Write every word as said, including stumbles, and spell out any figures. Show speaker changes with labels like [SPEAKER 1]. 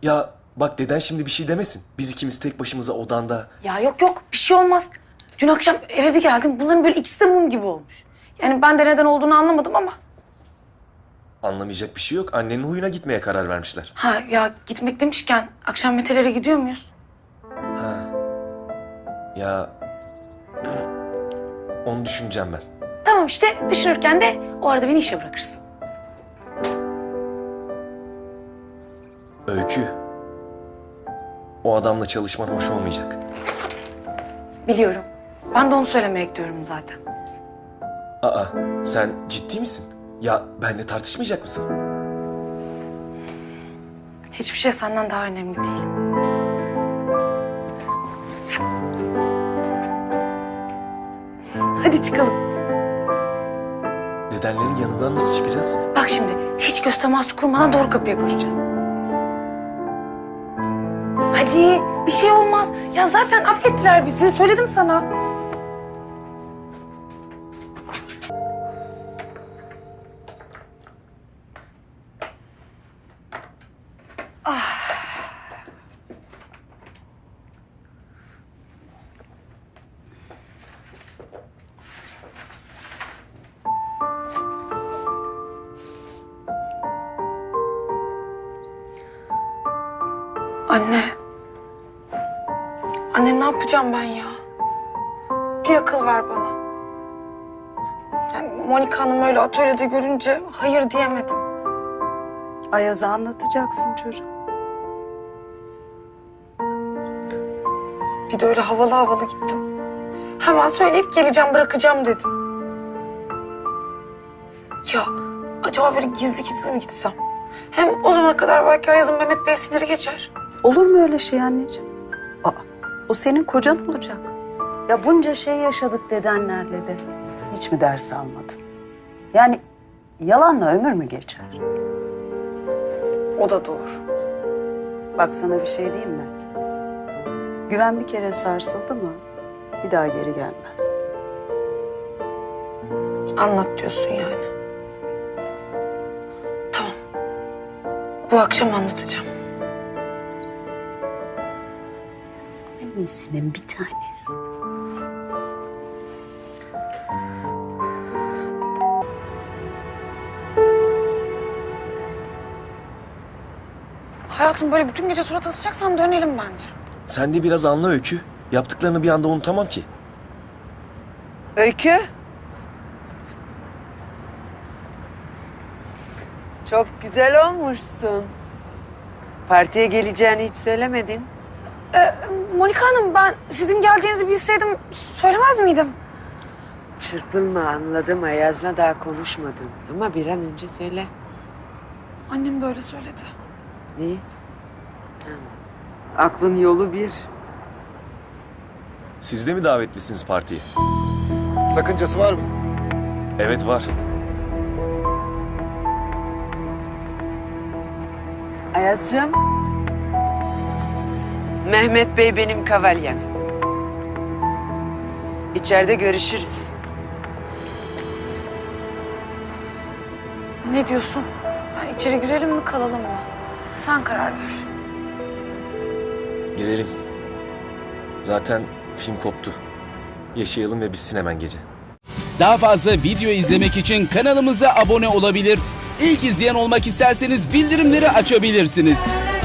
[SPEAKER 1] Ya bak deden şimdi bir şey demesin. Biz ikimiz tek başımıza odanda.
[SPEAKER 2] Ya yok yok bir şey olmaz. Dün akşam eve bir geldim. Bunların böyle ikisi de mum gibi olmuş. Yani ben de neden olduğunu anlamadım ama.
[SPEAKER 1] Anlamayacak bir şey yok. Annenin huyuna gitmeye karar vermişler.
[SPEAKER 2] Ha ya gitmek demişken akşam Mete'lere gidiyor muyuz?
[SPEAKER 1] Ha. Ya onu düşüneceğim ben.
[SPEAKER 2] Tamam işte düşünürken de o arada beni işe bırakırsın.
[SPEAKER 1] Öykü. O adamla çalışman hoş olmayacak.
[SPEAKER 2] Biliyorum. Ben de onu söylemeye gidiyorum zaten.
[SPEAKER 1] Aa, sen ciddi misin? Ya benle tartışmayacak mısın?
[SPEAKER 2] Hiçbir şey senden daha önemli değil. Hadi çıkalım.
[SPEAKER 1] Dedenlerin yanından nasıl çıkacağız?
[SPEAKER 2] Bak şimdi hiç göz teması kurmadan doğru kapıya koşacağız. Hadi bir şey olmaz. Ya zaten affettiler bizi. Söyledim sana. Anne. Anne ne yapacağım ben ya? Bir akıl ver bana. Yani Monika Hanım öyle atölyede görünce hayır diyemedim.
[SPEAKER 3] Ayaz'a anlatacaksın çocuğum.
[SPEAKER 2] Bir de öyle havalı havalı gittim. Hemen söyleyip geleceğim bırakacağım dedim. Ya acaba böyle gizli gizli mi gitsem? Hem o zamana kadar belki Ayaz'ın Mehmet Bey siniri geçer.
[SPEAKER 3] Olur mu öyle şey anneciğim? Aa, o senin kocan olacak. Ya bunca şey yaşadık dedenlerle de. Hiç mi ders almadın? Yani yalanla ömür mü geçer?
[SPEAKER 2] O da doğru.
[SPEAKER 3] Bak sana bir şey diyeyim mi? Güven bir kere sarsıldı mı bir daha geri gelmez.
[SPEAKER 2] Anlat diyorsun yani. Tamam. Bu akşam anlatacağım.
[SPEAKER 3] Annesinin bir tanesi.
[SPEAKER 2] Hayatım böyle bütün gece surat asacaksan dönelim bence.
[SPEAKER 1] Sen de biraz anla Öykü. Yaptıklarını bir anda unutamam ki.
[SPEAKER 4] Öykü. Çok güzel olmuşsun. Partiye geleceğini hiç söylemedin.
[SPEAKER 2] Ee, Monika Hanım ben sizin geleceğinizi bilseydim söylemez miydim?
[SPEAKER 4] Çırpılma, anladım. Ayaz'la daha konuşmadın. Ama bir an önce söyle.
[SPEAKER 2] Annem böyle söyledi.
[SPEAKER 4] Neyi? Ha. Aklın yolu bir.
[SPEAKER 1] Siz de mi davetlisiniz partiye?
[SPEAKER 5] Sakıncası var mı?
[SPEAKER 1] Evet var.
[SPEAKER 4] Ayaz'cığım. Mehmet Bey benim kavalyem. İçeride görüşürüz.
[SPEAKER 2] Ne diyorsun? Yani içeri girelim mi kalalım mı? Sen karar ver.
[SPEAKER 1] Girelim. Zaten film koptu. Yaşayalım ve bitsin hemen gece.
[SPEAKER 6] Daha fazla video izlemek için kanalımıza abone olabilir. İlk izleyen olmak isterseniz bildirimleri açabilirsiniz.